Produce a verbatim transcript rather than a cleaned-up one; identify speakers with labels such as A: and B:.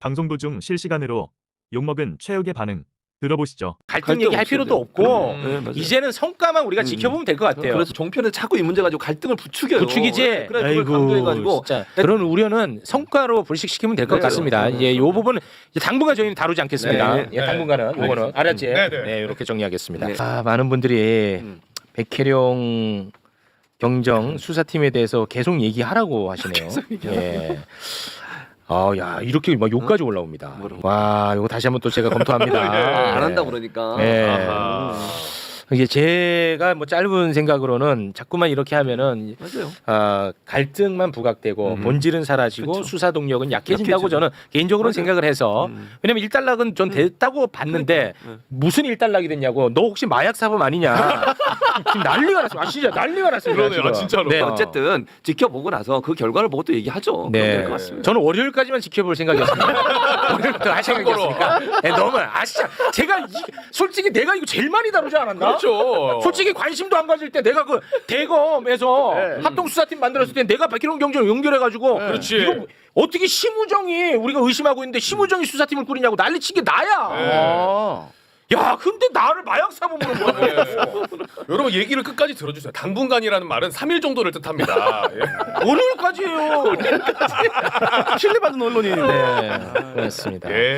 A: 방송 도중 실시간으로 욕먹은 최욱의 반응 들어보시죠.
B: 갈등
C: 갈등
B: 얘기할
C: 없어야
B: 필요도
C: 돼요.
B: 없고
C: 음, 네, 맞아요.
B: 이제는 성과만 우리가
C: 음.
B: 지켜보면 될 것 같아요.
C: 그래서 종편에서 자꾸 이 문제 가지고 갈등을 부추겨요.
B: 부추기지.
C: 네, 그래 그걸 강조해가지고
B: 진짜 그런 우려는 성과로 불식시키면 될 것
C: 네,
B: 같습니다.
C: 네,
B: 예, 요 부분은 이제 당분간 저희는 다루지 않겠습니다.
C: 네,
B: 예, 당분간은 요거는 알았지?
D: 네, 네.
B: 네, 이렇게 정리하겠습니다.
C: 네.
B: 아, 많은 분들이
C: 음.
B: 백혜령 경정 수사팀에 대해서 계속 얘기하라고 하시네요. 예. 아, 야 이렇게 막 욕까지 올라옵니다.
C: 뭐라고?
B: 와, 이거 다시 한번 또 제가 검토합니다.
C: 안 한다 그러니까.
B: 네.
D: 아하.
B: 이게 제가 뭐 짧은 생각으로는 자꾸만 이렇게 하면은
C: 맞아요.
B: 아, 갈등만 부각되고
C: 음.
B: 본질은 사라지고
C: 그쵸.
B: 수사 동력은 약해진다고
C: 약해지죠.
B: 저는 개인적으로
C: 맞아요.
B: 생각을 해서
C: 음.
B: 왜냐면 일단락은 전 됐다고 봤는데
C: 그러니까.
B: 무슨 일단락이 됐냐고 너 혹시 마약 사범 아니냐 지금 난리가 났어. 아 진짜 난리가 났어요.
D: 그러네요.
B: 지금.
D: 아, 진짜로.
B: 네.
C: 어쨌든 지켜보고 나서 그 결과를 보고 또 얘기하죠.
B: 네.
C: 그럼 될 것 같습니다.
B: 저는 월요일까지만 지켜볼 생각이었습니다. 월요일부터 할 생각이었으니까. 네, 너무 아 진짜 제가 이, 솔직히 내가 이거 제일 많이 다루지 않았나?
D: 그렇죠.
B: 솔직히 관심도 안 가질 때 내가 그 대검에서
D: 네.
B: 합동 수사팀 만들었을 때 내가 백희룡 경정을 연결해가지고
D: 그렇지.
B: 이거 어떻게 심우정이 우리가 의심하고 있는데 심우정이 수사팀을 꾸리냐고 난리친 게 나야.
D: 네.
B: 야 근데 나를 마약 사범으로 뭐라고?
D: 여러분 얘기를 끝까지 들어주세요. 당분간이라는 말은 삼 일 정도를 뜻합니다. 예.
B: 월요일까지예요.
C: 신뢰받는 언론인인데.
B: 네, 그렇습니다.
D: 예.